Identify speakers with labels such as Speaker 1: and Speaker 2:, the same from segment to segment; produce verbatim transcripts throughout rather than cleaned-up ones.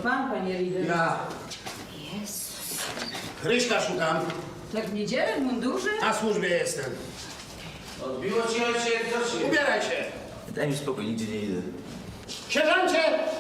Speaker 1: pan, panie Rieder.
Speaker 2: Ja.
Speaker 3: Jezus.
Speaker 2: Ryśka szukam.
Speaker 1: Tak w niedzielę w mundurze?
Speaker 2: Na służbie jestem.
Speaker 4: Odbiło ci ojciec, co ci?
Speaker 2: Ubieraj się.
Speaker 4: Daj mi spokój, nigdzie nie idę.
Speaker 2: Sierżancie!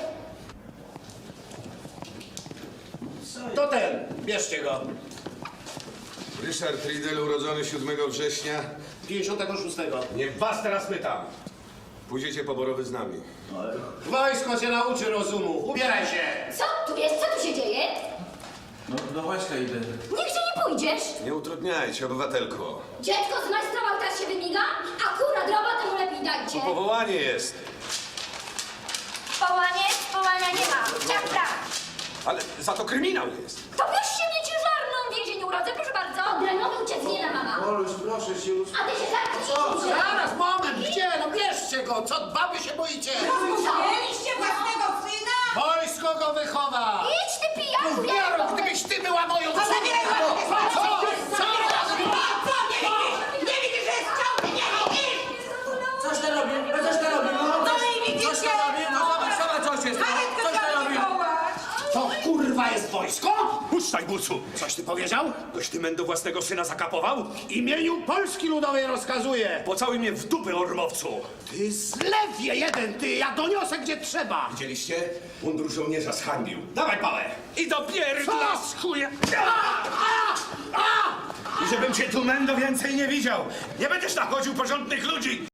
Speaker 2: To ten. Bierzcie go.
Speaker 5: Ryszard Riedel, urodzony siódmego września.
Speaker 2: pięćdziesiątego szóstego.
Speaker 5: Nie was teraz pytam. Pójdziecie poborowy z nami.
Speaker 2: Wojsko cię nauczy rozumu. Ubieraj się.
Speaker 3: Co tu jest? Co tu się dzieje?
Speaker 4: No, do wojska idę.
Speaker 3: Nigdzie nie pójdziesz.
Speaker 5: Nie utrudniajcie, obywatelko.
Speaker 3: Dziecko zmajstrował, teraz się wymiga? Akurat robotę mu lepiej dajcie.
Speaker 5: Powołanie jest.
Speaker 3: Połanie, połania nie ma. Tak, tak.
Speaker 5: Ale za to kryminał jest.
Speaker 3: To bierz się mnie ciężarną w więzieniu urodzę, proszę bardzo. Odrenowy uciec mama.
Speaker 4: Oluś, proszę się już.
Speaker 3: A ty się zamknij.
Speaker 2: Zaraz, moment. Gdzie? No bierzcie go. Co baby się boicie?
Speaker 1: Mieliście własnego syna?
Speaker 2: Wojsko go wychowa.
Speaker 3: Idź ty pijaku,
Speaker 2: Mów Jarek, gdybyś ty była moją córką. Co? Co?
Speaker 1: Nie widzisz, że jest ciągle, nie widzisz?
Speaker 4: Coś to robi, no coś to robi, no.
Speaker 1: No i widzicie?
Speaker 4: Coś to robi, no zobacz, zobacz, coś jest. no.
Speaker 1: Karetkę
Speaker 4: Coś to
Speaker 1: trzeba
Speaker 4: robi.
Speaker 1: wywołać.
Speaker 2: To kurwa jest wojsko?
Speaker 5: Puszczaj, bucu!
Speaker 2: Coś ty powiedział?
Speaker 5: Ktoś ty mendo własnego syna zakapował?
Speaker 2: W imieniu Polski Ludowej rozkazuję.
Speaker 5: Pocałuj mnie w dupę, ormowcu!
Speaker 2: Ty zlewie jeden, ty. Ja doniosę gdzie trzeba.
Speaker 5: Widzieliście? Mundur żołnierza zhańbił. Dawaj pałę! I do pierdla z chuja! I żebym cię tu, mendo, więcej nie widział! Nie będziesz nachodził porządnych ludzi!